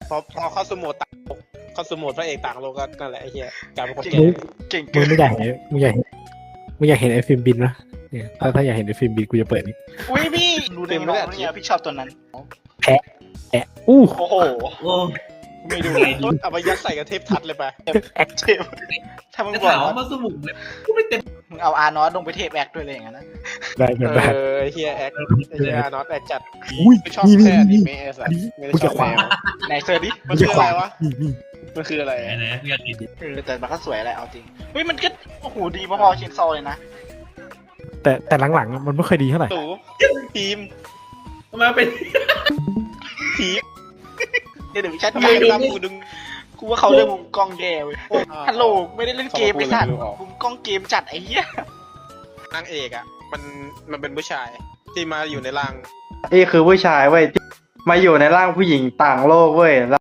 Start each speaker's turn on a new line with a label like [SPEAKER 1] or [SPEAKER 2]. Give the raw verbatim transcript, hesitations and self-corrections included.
[SPEAKER 1] พอพอเข้าสมุดต่างโลกเข้าสมุดพระเอกต่างโลกก็นั่นแหละไอ้เหี้ยกลายเป็นคนแก่
[SPEAKER 2] เก่ง
[SPEAKER 3] มึ
[SPEAKER 2] เกิ
[SPEAKER 3] ง
[SPEAKER 2] น
[SPEAKER 3] ไม่อยากเห็นมึงอยากเห็นมึงอยากเห็นไอ้ฟิล์มบินนะเนี่ยถ้าถ้าอยากเห็นไอ้ฟิล์มบินกูจะเปิดนี่
[SPEAKER 2] อุ้ยพี่ดูได้ไหมเนี่ยพี่ชอบตัวนั้น
[SPEAKER 3] แอะอู้
[SPEAKER 2] โอ้โห
[SPEAKER 4] โอ้
[SPEAKER 1] ไม่ดูเอาไปยัดใส่กับเทปทัดเลยไป
[SPEAKER 2] เจ็บถ้ามึง
[SPEAKER 4] จะ
[SPEAKER 2] บอก
[SPEAKER 4] ถามว่ามาสมุนเลยกูไม่เต็ม
[SPEAKER 2] มึงเอาอาร์นอสลงไปเทปแอคด้วยเลยอย่างนั้นนะ
[SPEAKER 3] ได้
[SPEAKER 1] เอ
[SPEAKER 3] ได้
[SPEAKER 1] อไอ้เหี้ยแอคไอ้เหี้ยน็อตแอคจัด
[SPEAKER 3] อุ้ย
[SPEAKER 1] ไม่ชอบ
[SPEAKER 3] นี่
[SPEAKER 1] แค่
[SPEAKER 3] นี่
[SPEAKER 1] อนิ
[SPEAKER 3] นี่
[SPEAKER 1] เมะไอ้สัส
[SPEAKER 3] อันนี้
[SPEAKER 1] ไม่ได้
[SPEAKER 3] กู
[SPEAKER 1] ช
[SPEAKER 3] จะ
[SPEAKER 1] อบ
[SPEAKER 3] ขวา
[SPEAKER 1] แนว
[SPEAKER 2] ไหนเซอร์ดิ
[SPEAKER 1] มันคืออะไรวะ
[SPEAKER 3] นี่นี่
[SPEAKER 1] มันคืออะไร
[SPEAKER 4] ไหนไหนกูอยากกิน
[SPEAKER 2] เออแต่มันก็สวยอะไรเอาจริงเฮ้ยมันก็โอ้โหดีพอๆเชนซอเลยนะ
[SPEAKER 3] แต่แต่หลังๆอะมันไม่ค่อยดีเท่าไหร่
[SPEAKER 1] ตู่ทีม
[SPEAKER 4] ทำไมเป็น
[SPEAKER 1] ทีม
[SPEAKER 2] เดี๋ยวเดี๋ยวพี่ชัด
[SPEAKER 1] ทำไม
[SPEAKER 2] ใหญ่
[SPEAKER 1] ตามกูดึง
[SPEAKER 2] กูว่าเขาเล่นมุมกล้องแย่เว้ย
[SPEAKER 1] อ่า
[SPEAKER 2] ฮัลโหลไม่ได้เล่นเกม
[SPEAKER 1] เขา
[SPEAKER 2] ไป
[SPEAKER 1] มาพูด
[SPEAKER 2] สัตว์
[SPEAKER 1] อะไรไม่รู้ออก
[SPEAKER 2] มุมกล้องเกมจัดไอ้เหี้ย
[SPEAKER 1] นางเอกอ่ะมันมันเป็นผู้ชายที่มาอยู่ในร่าง
[SPEAKER 5] นี่คือผู้ชายเว้ยที่มาอยู่ในร่างผู้หญิงต่างโลกเว้ย